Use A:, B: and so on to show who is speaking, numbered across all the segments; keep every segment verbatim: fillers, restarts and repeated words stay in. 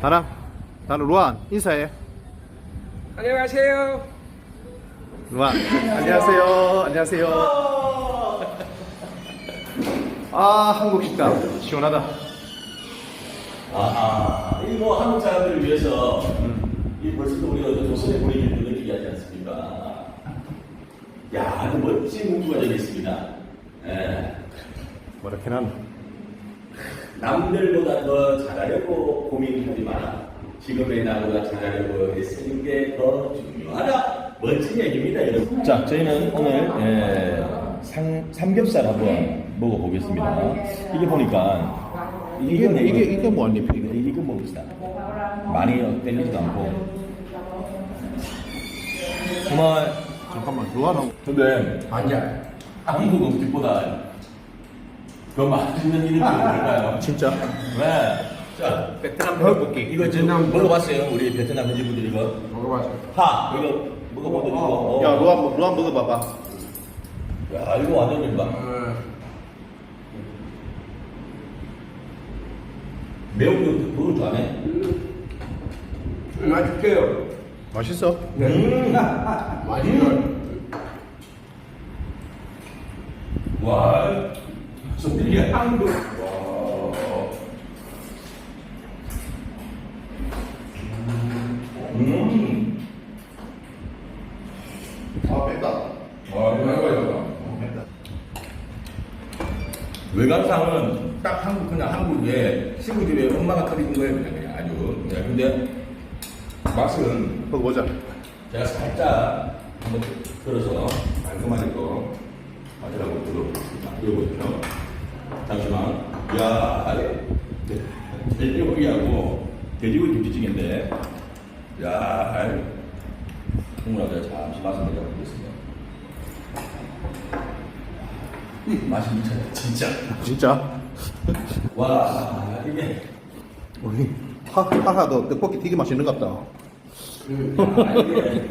A: 다랑, 다랑 루안 인사해.
B: 안녕하세요.
A: 루안 안녕하세요. 안녕하세요. 아 한국 식당 시원하다.
C: 아, 이 뭐 한국 사람들을 위해서 음. 이 벌써도 우리가 조선의 분위기를 느끼게 하지 않습니까? 야, 아주 멋진 문구가 되어 있습니다. 예.
A: 뭐라케 난
C: 남들보다 더 잘하려고 고민하지 마라. 지금의 나보다 잘하려고 애쓰는 게 더 중요하다. 멋진 얘기입니다, 여러분. 자, 저희는 오늘 예, 상, 삼겹살 한번 먹어보겠습니다. 이게 보니까
A: 이게
C: 이건
A: 이게
C: 이거-
A: 이게 뭐안 입혀
C: 이거,
A: 이거?
C: 이거 먹읍시다. 많이 땡기지도 않고. 정말,
A: 잠깐만 루안하고
C: 근데,
B: 아니야.
C: 한국 음식보다 더 맛있는 이름이 뭘까요?
A: 진짜?
C: 네. 자,
B: 베트남 떡볶이.
C: 이거 지금
B: 베트남
C: 먹어봤어요? 우리 베트남 현지분들 이거?
B: 먹어봐줘.
C: 하! 이거 먹어보고 이거.
A: 야 루안 루안 먹어봐봐.
C: 야, 이거 완전 된다. 매운 거 먹을 줄 아네?
B: 맛있게요.
A: 맛있어?
C: 음!
B: 맛있어.
C: 와, 소리가 한국. 와. 음.
A: 아 맵다.
C: 와, 이거 해봐요. 외관상은 딱 한국, 그냥 한국에 시골집에 엄마가 끓인 거예요, 그냥, 그냥 아주. 네, 근데 맛은
A: 먹어보자.
C: 제가 살짝 한번 들어서 깔끔하게 또 맛이라고 들어보겠습니다. 이거 보십시오. 잠시만. 이야, 네. 돼지고기하고 돼지고기 김치찌개인데, 야, 국물하고 잠시 맛을 내려보겠습니다. 맛이 미쳐요, 진짜.
A: 진짜?
C: 와, 이게.
A: 우리 하 하하도 떡볶이 되게 맛있는 것 같다.
C: 야, 이게.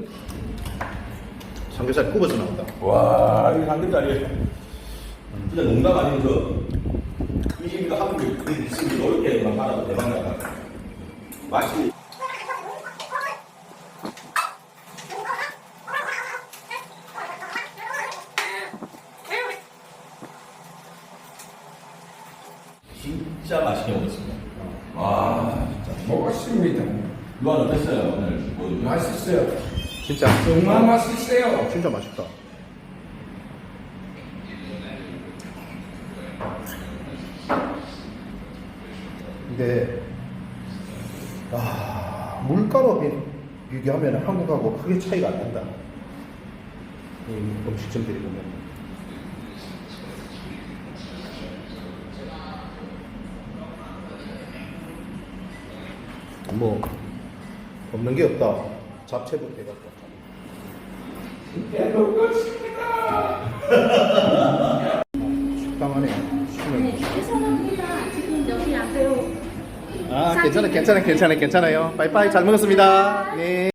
A: 삼겹살 굽어서 나온다.
C: 와, 이거 삼겹살이 진짜 농담 아니면서 이십이가 한국에 있으면 이렇게만 팔아도 대박나다. 맛이. 진짜 맛있게 먹었습니다. 와, 진짜.
B: 먹었습니다.
C: 루안 어땠어요, 오늘? 뭐,
B: 맛있어요.
A: 진짜?
B: 정말 맛있어요.
A: 진짜 맛있다. 근데 아, 물가로 비- 비교하면 한국하고 크게 차이가 안 난다. 이 음식점들이 보면. 뭐 없는 게 없다. 잡채부터 해갖고.
B: 네, 먹었습니다.
A: 식당 안에
D: 네, 죄송합니다. 지금 여기 앞에요.
A: 아 괜찮아 괜찮아 괜찮아 괜찮아요. 빠이빠이 잘 먹었습니다. 네.